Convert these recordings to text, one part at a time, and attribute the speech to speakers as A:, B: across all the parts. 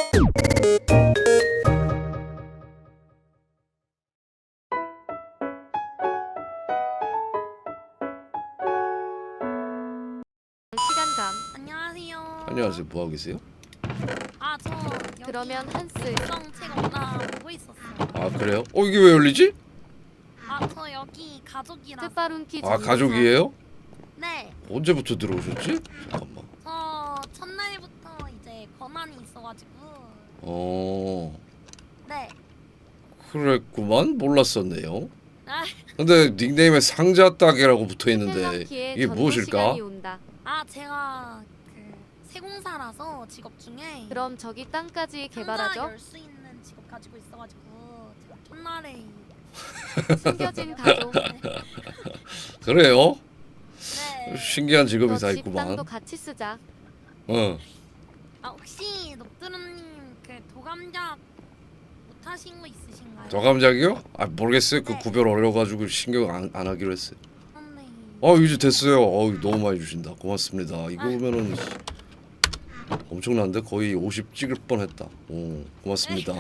A: 시간감.
B: 안녕하세요.
C: 안녕하세요. 뭐 하고 계세요?
B: 저
A: 그러면 한스.
B: 정책 없나 보고 있었어요.
C: 아 그래요? 이게 왜 열리지?
B: 저 여기 가족이라서.
A: 뜻바룬키
C: 아 가족이에요?
B: 네.
C: 언제부터 들어오셨지? 잠깐만.
B: 저 첫날부터 이제 권한이 있어가지고. 네.
C: 그랬구만. 몰랐었네요.
B: 아,
C: 근데 닉네임에 상자 따개라고 붙어 있는데
A: 텔러키의
C: 이게
A: 전도
C: 무엇일까?
A: 시간이 온다.
B: 제가 그 세공사라서 직업 중에.
A: 그럼 저기 땅까지 개발하죠?
B: 열수 있는 직업 가지고 있어가지고 제가 첫날에.
A: 숨겨진 가족.
C: 그래요?
B: 네.
C: 신기한 직업이 다
A: 집
C: 있구만.
A: 땅도 같이 쓰자.
B: 혹시 녹두루님 그 도감작 못하신 거 있으신가요?
C: 저감작이요? 아 모르겠어요. 그
B: 네.
C: 구별 어려가지고 신경 안 하기로 했어요.
B: 네.
C: 이제 됐어요. 너무 많이 주신다. 고맙습니다. 이거면은 엄청난데 거의 50 찍을 뻔했다. 고맙습니다.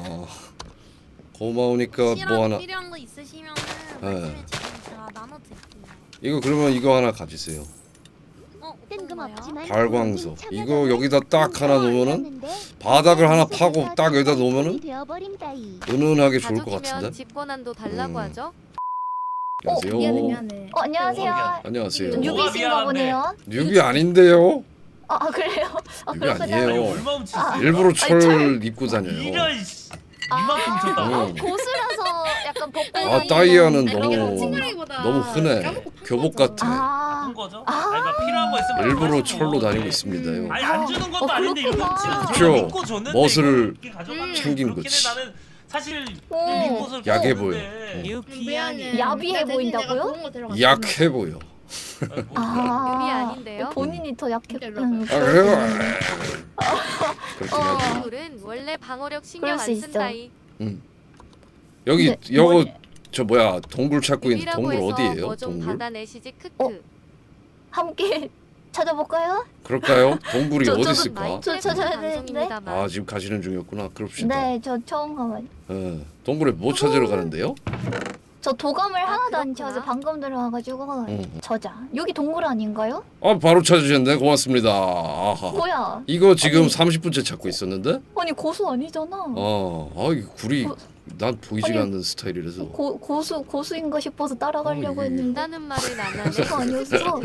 C: 고마우니까 뭐 하나.
B: 필요한 거 있으시면
C: 네.
B: 말씀해 주시면 제가 나눠드릴게요.
C: 이거 그러면 이거 하나 가지세요.
B: 뜬금없지만
C: 발광석. 이거 여기다 딱 하나 놓으면은 바닥을 하나 파고 딱 여기다 놓으면은 은은하게 좋을 것
A: 가족이면
C: 같은데.
A: 집 권한도 달라고 하죠?
C: 안녕하세요.
B: 미안해.
D: 안녕하세요.
C: 안녕하세요.
D: 뉴비신가 보네요.
C: 뉴비 아닌데요?
D: 그래요?
C: 뉴비
D: 그렇구나.
C: 아니에요.
E: 얼마 훔쳤어?
C: 일부러 철 입고 다녀요.
E: 이런 이만큼 훔쳤다고?
D: 고수라서 약간 벗고
C: 따이아는
D: 다니는
C: 너무 흔해. 교복 같아.
E: 한 거죠? 그러니까 필요한 거 있으면
C: 일부러
E: 가지고.
C: 철로 다니고 있습니다요.
E: 아니 안 주는 것도 아닌데 이거
D: 그렇구나.
E: 지금
C: 그쵸.
E: 믿고 줬는데
C: 멋을
E: 이거 가져가면
C: 챙긴
E: 그렇긴
C: 거지.
E: 해. 나는 사실
D: 오.
E: 믿고서
C: 약해
E: 줬는데.
D: 야비해 보인다고요?
C: 약해 보여.
A: 유비 아닌데요?
D: 본인이 더 약해.
C: 그래요? 그렇긴 하지.
A: 동물은 원래 방어력 신경
D: 그럴 수
A: 안
D: 있어.
A: 쓴다이.
C: 여기
D: 근데
C: 요거
D: 머리-
C: 저 뭐야 동굴 찾고 있는
A: 유비라고
C: 동굴
A: 해서
C: 어디예요?
A: 뭐 좀
C: 동굴?
A: 받아내시지 크크.
D: 함께 찾아볼까요?
C: 그럴까요? 동굴이
D: 저-
C: 어디
D: 저도
C: 있을까?
D: 저 찾아야 되는데.
A: 방송입니다만.
C: 지금 가시는 중이었구나. 그럽시다.
D: 네, 저 처음 가봐요.
C: 동굴에 뭐 찾으러 가는데요?
D: 저 도감을 하나도 안
A: 그렇구나.
D: 채워서 방금 들어와가지고
C: 응.
D: 저자. 여기 동굴 아닌가요?
C: 바로 찾으셨네. 고맙습니다. 아하.
D: 뭐야?
C: 이거 지금
D: 아니.
C: 30분째 찾고 있었는데?
D: 아니 고수 아니잖아.
C: 이 굴이
D: 고-
C: 난 보이지가
D: 아니,
C: 않는 스타일이라서.
D: 고수인가 싶어서 따라가려고
C: 어, 이게-
D: 했는데
A: 다는 말을 안 하네.
D: 고수가 아니었어.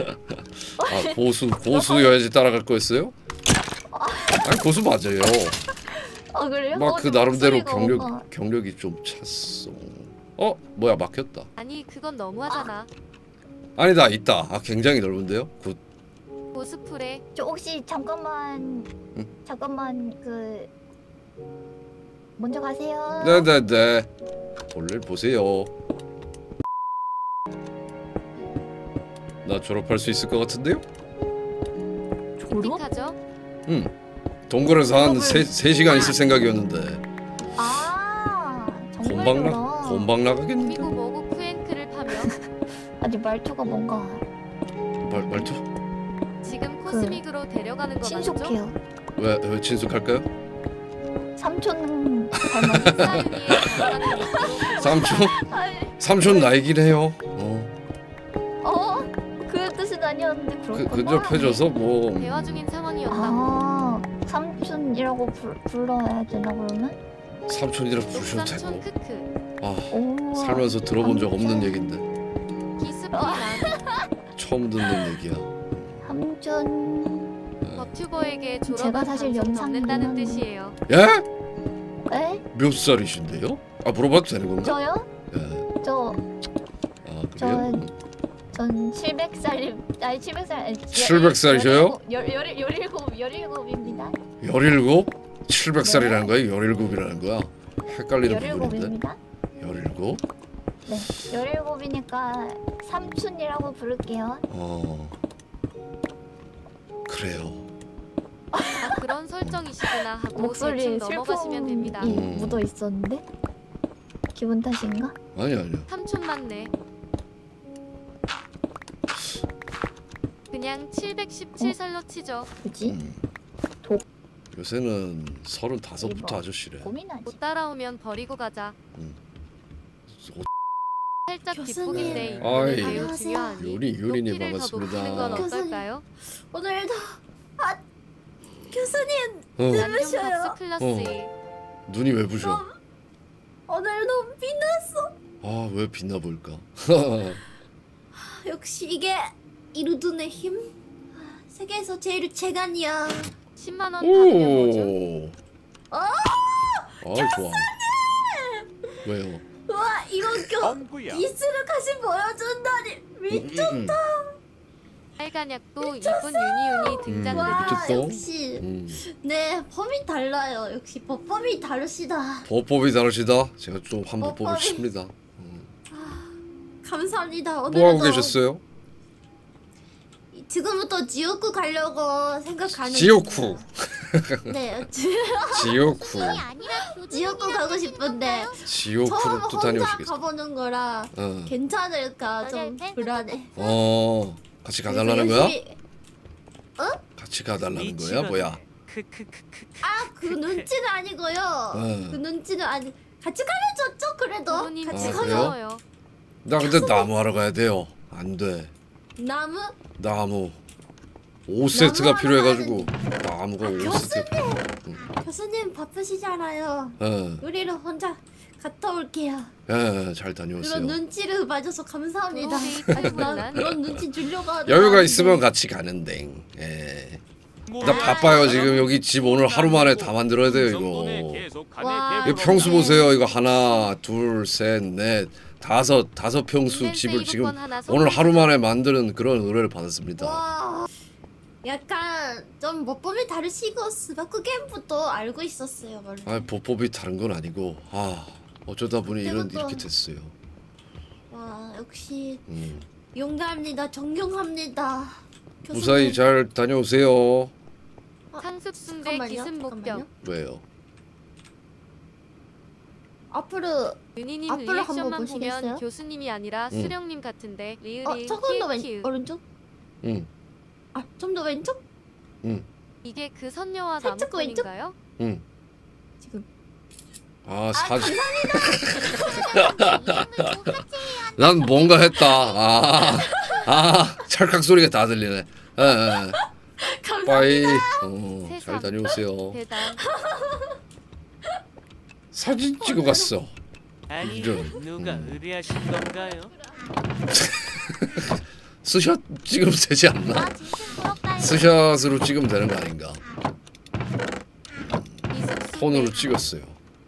C: 고수여야지 따라갈 거였어요? 아니 고수 맞아요.
D: 그래요?
C: 막 그 나름대로
D: 목소리가 뭔가-
C: 경력이 좀 찼어. 뭐야 막혔다.
A: 아니 그건 너무하잖아.
C: 아니다 있다. 굉장히 넓은데요. 굿.
A: 고스프레.
D: 저 혹시 잠깐만
C: 응?
D: 그 먼저 가세요.
C: 네네네. 볼일 보세요. 나 졸업할 수 있을 것 같은데요?
D: 졸업?
A: 픽하죠?
C: 동굴에서 한
D: 졸업을-
C: 3시간 있을 생각이었는데
D: 정말로라.
C: 곰방 나가겠는데?
A: 미국 모국 프랭크를 파며
D: 아니 말투가 뭔가
C: 말투?
A: 지금 코스믹으로 데려가는 거 맞죠?
D: 친숙해요.
C: 왜 친숙할까요?
D: 삼촌 닮았어.
A: 사윤이의 다양한 모습으로
C: 삼촌 나이긴 해요.
D: 그 뜻은 아니었는데 그렇구나.
C: 근접해줘서 뭐
A: 대화 중인 상황이었다.
D: 삼촌이라고 불러야 되나 그러면?
C: 삼촌이라 부르셔도
A: 옥삼촌
C: 되고.
A: 크크.
D: 오.
C: 살면서 들어본 적 없는
D: 삼촌.
C: 얘긴데
A: 기스피난
C: 처음 듣는 얘기야.
D: 삼촌.
A: 버튜버에게
D: 제가
A: 졸업한
D: 사실
A: 방송
D: 영상
A: 넘는다는
D: 보면-
A: 뜻이에요.
C: 예?
D: 에?
C: 몇 살이신데요? 물어봐도 되는 건가?
D: 저요?
C: 예.
D: 저
C: 그래요?
D: 전 700살 아니 700살
C: 700살이셔요?
D: 17입니다.
C: 17? 700살이라는 거야? 17이라는 거야? 헷갈리는 부분인데.
D: 17입니다.
C: 17?
D: 네. 17이니까 삼촌이라고 부를게요.
C: 그래요.
A: 그런 설정이시구나 하고
D: 목소리에
A: 대충 넘어가시면 됩니다.
D: 슬픔이 묻어 있었는데 기분 탓인가?
C: 아니요.
A: 삼촌 맞네. 그냥 717살로 치죠.
D: 그지?
C: 음. 요새는 35부터
D: 이거.
C: 아저씨래.
D: 고민하지.
A: 못 따라오면 버리고 가자. 살짝
B: 교수님.
A: 뒷북인데
C: 아이.
A: 이거는 매우
B: 안녕하세요.
A: 중요하니
C: 요리님
A: 높이를 더 높이는 건
C: 반갑습니다.
A: 어떨까요?
B: 오늘도 교수님
C: 어,
B: 누구셔요?
A: 안경박스 클라스
C: 눈이 왜 부셔?
B: 오늘도 빛났어.
C: 아, 왜 빛나 보일까?
B: 역시 이게 이루둔의 힘. 세계에서 제일 재간이야.
A: 10만 원 받으면 뭐죠?
C: 오. 아, 좋아. 왜요?
B: 와 이런 기술을 같이 보여준다니 미쳤다.
A: 빨간약도 이쁜 유니윤이 등장됩니다.
B: 와
C: 미쳤다.
B: 역시
C: 음.
B: 네 법이 달라요. 역시 법이 다르시다.
C: 법법이 다르시다. 제가 좀 한번
B: 법법이-
C: 뽑으십니다.
B: 감사합니다.
C: 뭐
B: 오늘도
C: 하고 계셨어요?
B: 지금부터 지옥구 가려고 생각하는
C: 지옥구.
B: 네
C: 지옥구.
B: 지옥구 가고 싶은데
C: 지옥구로
B: 처음
C: 또
B: 혼자
C: 다녀오시겠어.
B: 가보는 거라
C: 어.
B: 괜찮을까 좀 불안해.
C: 같이
B: 그래서
C: 가달라는 거야?
B: 열심히-
C: 같이 가달라는 거야? 뭐야?
B: 아, 그 눈치는 아니고요. 그 눈치는 아니. 같이 가면 좋죠. 그래도
A: 부모님
B: 같이
C: 아,
B: 가면
C: 그래요?
A: 고마워요.
C: 나 근데 나무 하러 가야 돼요. 안 돼.
B: 나무.
C: 나무 5세트가
B: 나무
C: 필요해가지고 나무가 5세트.
B: 교수님 바쁘시잖아요. 우리는 혼자 갔다 올게요.
C: 잘 다녀오세요.
B: 그런 눈치를 봐줘서 감사합니다.
A: 그거 데이트
B: 난
A: 혼란.
B: 그런 눈치 주려고 하는
C: 여유가
B: 거
C: 있으면
B: 아닌데.
C: 같이 가는데.
E: 뭐
C: 나 바빠요 지금. 여기 집 오늘 하루 만에 다 만들어야 돼요 이거.
B: 와.
C: 이 평수 보세요. 이거 하나, 둘, 셋, 넷, 다섯 평수
A: 인벤
C: 집을 지금
A: 세이브권 하나
C: 오늘 하루
A: 선물해주세요.
C: 만에 만드는 그런 의뢰를 받았습니다.
B: 와. 약간 좀 법법이 다르시고 스바쿠 게임부터 알고 있었어요 원래.
C: 아, 법법이 다른 건 아니고 어쩌다 보니
B: 그것도-
C: 이렇게 됐어요.
B: 와 역시
C: 음.
B: 용감합니다. 존경합니다.
C: 무사히 잘 다녀오세요.
A: 상습순대
B: 잠깐만요,
A: 기승목병.
B: 잠깐만요.
C: 왜요?
B: 앞으로
A: 윤희님
B: 앞으로 한번
A: 리액션만
B: 보시겠어요?
A: 보면 교수님이 아니라
C: 응.
A: 수령님 같은데 리을이
B: 조금 더
A: 키읔.
B: 오른쪽?
C: 응,
B: 아 좀 더 왼쪽?
A: 이게 그 선녀와
B: 살짝
A: 나무꾼인가요?
C: 응.
B: 지금.
C: 사진. 난 뭔가 했다. 찰칵 소리가 다 들리네.
B: 감사합니다.
C: 빠이. 잘
A: 세상.
C: 다녀오세요.
A: 대단.
C: 사진 찍어 갔어.
F: 아니
C: 이런.
F: 누가 의뢰하신 건가요?
C: 스샷 찍으면 되지 않나? 스샷으로 찍으면 되는 거 아닌가?
A: 이습순대.
C: 폰으로 찍었어요.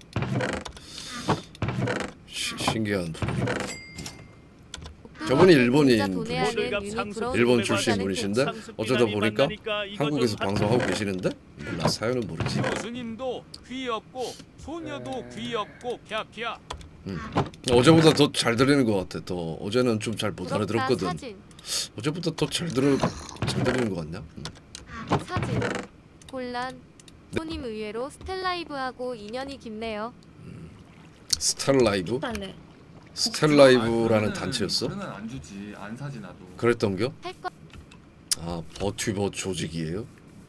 C: 신기한 분이네. 저분이 일본인
A: 진짜 돈에 하는
E: 모들갑
A: 윤희
E: 상습
A: 부러운
C: 일본
A: 걸
C: 출신
A: 보자는
C: 분이신데 어쩌다 보니까 한국에서 방송하고 계시는데 몰라 사연은 모르지.
F: 교수님도 귀엽고 소녀도 귀엽고 펴펴.
C: 어제보다 더 잘 들리는 것 같아. 더 어제는 좀 잘 못
A: 부럽다,
C: 알아들었거든.
A: 사진.
C: 어제보다 더 잘 들리는 것 같냐?
A: 사진. 곤란. 부모님 의외로 스텔라이브하고 인연이 깊네요.
C: 스텔라이브?
B: 빨래.
C: 스텔라이브라는 단체였어?
G: 그러면 안 주지. 안 사지 나도.
C: 그랬던겨?
A: 할 거.
C: 버튜버 조직이에요?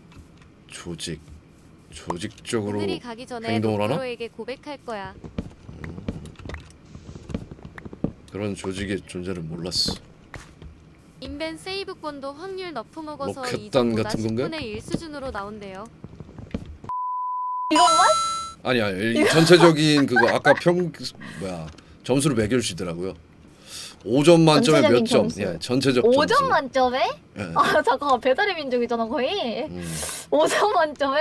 C: 조직적으로
A: 그들이 가기 전에
C: 행동을 하나?
A: 로프로에게 고백할 거야.
C: 그런 조직의 존재를 몰랐어.
A: 인벤 세이브권도 확률 너프 먹어서
C: 로켓단
A: 이전보다
C: 같은 건가요?
A: 10분의 1 수준으로 나온대요.
C: 아니야, 이 전체적인 그거 아까 점수를 매겨주시더라고요. 5점 만점에 몇
D: 전체적인
C: 점?
D: 점수.
C: 예, 전체적
D: 5점
C: 점수.
D: 만점에?
C: 예.
D: 아 잠깐만 배달의 민족이잖아 거의.
C: 음.
D: 5점 만점에?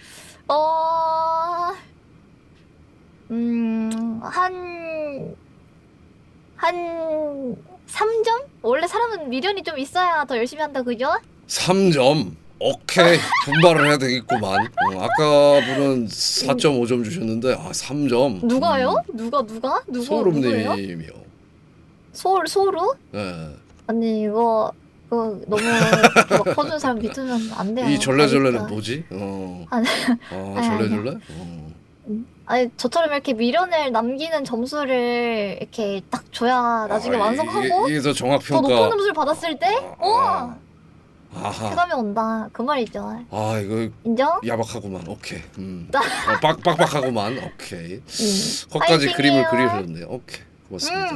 D: 한 3점? 원래 사람은 미련이 좀 있어야 더 열심히 한다 그죠?
C: 3점. 오케이. 분발을 해야 되겠구만. 아까 분은 4.5점 주셨는데 3점.
D: 누가요? 누가 누구예요?
C: 소름님이요.
D: 소루?
C: 예.
D: 아니 이거 너무 이렇게 막 퍼주는 사람 믿으면 안 돼요.
C: 이 절레절레는
D: 그러니까.
C: 뭐지?
D: 아니,
C: 절레절레?
D: 아니 저처럼 이렇게 미련을 남기는 점수를 이렇게 딱 줘야 나중에 완성하고
C: 이게 더 정확
D: 더 높은
C: 평가.
D: 점수를 받았을 때
C: 아하.
D: 쾌감이 온다. 그 말이죠.
C: 아 이거
D: 인정?
C: 야박하구만. 오케이. 빡빡하구만. 오케이. 거기까지
D: 파이팅이에요.
C: 그림을 그리셨네요. 오케이. 고맙습니다.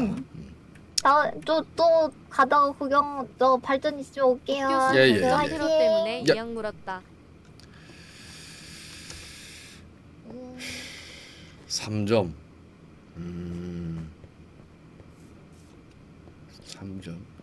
D: 또 가다가 구경 저 발전 있으면 올게요.
A: 교수
C: 예, 예,
A: 그
C: 예.
A: 테러 때문에
C: 야.
A: 이양 물었다.
C: 3점. 3점.